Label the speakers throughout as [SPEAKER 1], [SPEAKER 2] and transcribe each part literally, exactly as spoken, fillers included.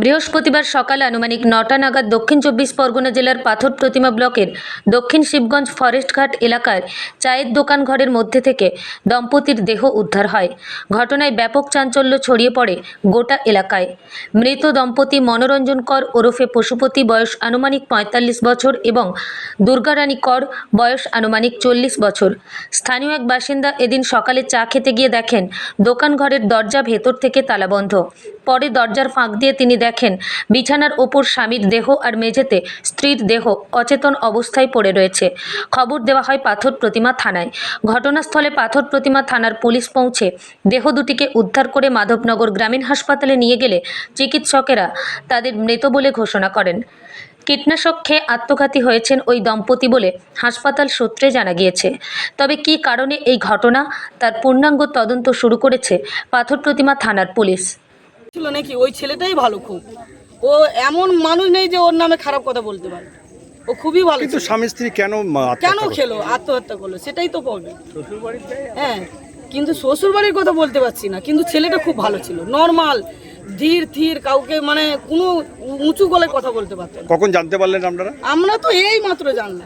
[SPEAKER 1] বৃহস্পতিবার সকালে আনুমানিক নটা নাগাদ দক্ষিণ চব্বিশ পরগনা জেলার পাথর প্রতিমা ব্লকের দক্ষিণ শিবগঞ্জ ফরেস্টঘাট এলাকায় চায়ের দোকান ঘরের মধ্যে থেকে দম্পতির দেহ উদ্ধার হয়। ঘটনায় ব্যাপক চাঞ্চল্য ছড়িয়ে পড়ে গোটা এলাকায়। মৃত দম্পতি মনোরঞ্জন কর ওরফে পশুপতি, বয়স আনুমানিক পঁয়তাল্লিশ বছর এবং দুর্গারানী কর, বয়স আনুমানিক চল্লিশ বছর। স্থানীয় এক বাসিন্দা এদিন সকালে চা খেতে গিয়ে দেখেন দোকান ঘরের দরজা ভেতর থেকে তালাবন্ধ। পরে দরজার ফাঁক দিয়ে তিনি দেখেন বিছানার ওপর স্বামীর দেহ আর মেঝেতে স্ত্রীর দেহ অচেতন অবস্থায় পড়ে রয়েছে। খবর দেওয়া হয় পাথর প্রতিমা থানায়। ঘটনাস্থলে পাথর প্রতিমা থানার পুলিশ পৌঁছে দেহ দুটিকে উদ্ধার করে মাধবনগর গ্রামীণ হাসপাতালে নিয়ে গেলে চিকিৎসকেরা তাদের মৃত বলে ঘোষণা করেন। কীটনাশক খেয়ে আত্মঘাতী হয়েছেন ওই দম্পতি বলে হাসপাতাল সূত্রে জানা গিয়েছে। তবে কী কারণে এই ঘটনা তার পূর্ণাঙ্গ তদন্ত শুরু করেছে পাথর প্রতিমা থানার পুলিশ।
[SPEAKER 2] ছিল নাকি ওই ছেলেটাই ভালো, খুব ও এমন মানুষ নেই যে ওর নামে খারাপ কথা বলতে পারে। ও খুবই ভালো।
[SPEAKER 3] কিন্তু স্বামী স্ত্রী কেন
[SPEAKER 2] কেন খেলো আত্মহত্যা করলো সেটাই তো প্রবলেম। হ্যাঁ, কিন্তু শ্বশুর বাড়ির কথা বলতে পারছি না, কিন্তু ছেলেটা খুব ভালো ছিল, নর্মাল, ধীর ধীর, কাউকে মানে কোনো উঁচু গলায় কথা বলতে পারতেন।
[SPEAKER 3] কখন জানতে পারলেন আপনারা?
[SPEAKER 2] আমরা তো এই মাত্র জানলাম।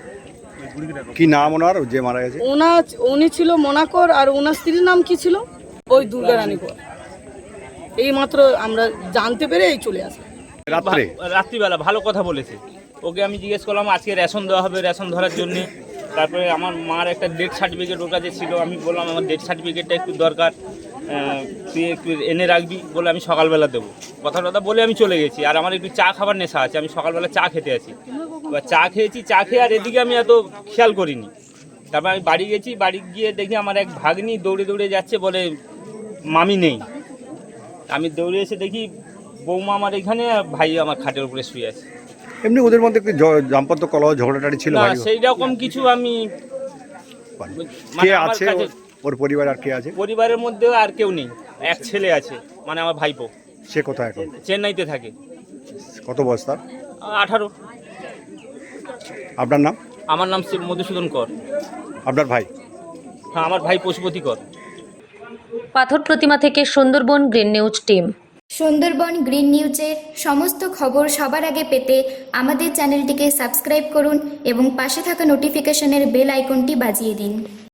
[SPEAKER 3] কি নাম ওনার যে মারা গেছে?
[SPEAKER 2] ওনার উনি ছিল মোনাকর, আর ওনার স্ত্রীর নাম কি ছিল? ওই দুর্গারানী কর। এই মাত্র আমরা জানতে পেরে এই চলে আসলাম।
[SPEAKER 3] রাত্রে
[SPEAKER 4] রাত্রিবেলা ভালো কথা বলেছে। ওকে আমি জিজ্ঞেস করলাম আজকে রেশন দেওয়া হবে, রেশন ধরার জন্যে। তারপরে আমার মার একটা ডেথ সার্টিফিকেট ওর কাছে ছিল। আমি বললাম আমার ডেথ সার্টিফিকেটটা একটু দরকার, তুই একটু এনে রাখবি বলে আমি সকালবেলা দেবো। কথা কথা বলে আমি চলে গেছি। আর আমার একটু চা খাবার নেশা আছে, আমি সকালবেলা চা খেতে আছি। এবার চা খেয়েছি, চা খেয়ে আর এদিকে আমি এত খেয়াল করিনি। তারপর আমি বাড়ি গেছি, বাড়ি গিয়ে দেখি আমার এক ভাগ্নি দৌড়ে দৌড়ে যাচ্ছে, বলে মামি নেই। আমি দৌড়ে এসে দেখি বৌমা আমার এখানে, ভাই আমার খাটের উপরে শুয়ে আছে।
[SPEAKER 3] এমনি ওদের মধ্যে একটু দাম্পত্য কলহ ঝগড়াটাড়ি ছিল?
[SPEAKER 4] না, সেই রকম কিছু আমি
[SPEAKER 3] কে আছে ওর পরিবার? আর কে আছে
[SPEAKER 4] পরিবারের মধ্যে? আর কেউ নেই, এক ছেলে আছে, মানে আমার ভাইপো।
[SPEAKER 3] সে কোথায় এখন?
[SPEAKER 4] চেন্নাইতে থাকে।
[SPEAKER 3] কত বয়স তার?
[SPEAKER 4] আঠারো।
[SPEAKER 3] আপনার নাম?
[SPEAKER 4] আমার নাম শিব মধুসূদন কর।
[SPEAKER 3] আপনার ভাই?
[SPEAKER 4] হ্যাঁ, আমার ভাই পশুপতি কর।
[SPEAKER 1] পাথর প্রতিমা থেকে Sundarban green news team.
[SPEAKER 5] Sundarban green নিউজের সমস্ত খবর সবার আগে পেতে আমাদের চ্যানেলটিকে সাবস্ক্রাইব করুন এবং পাশে থাকা নোটিফিকেশনের বেল আইকনটি বাজিয়ে দিন।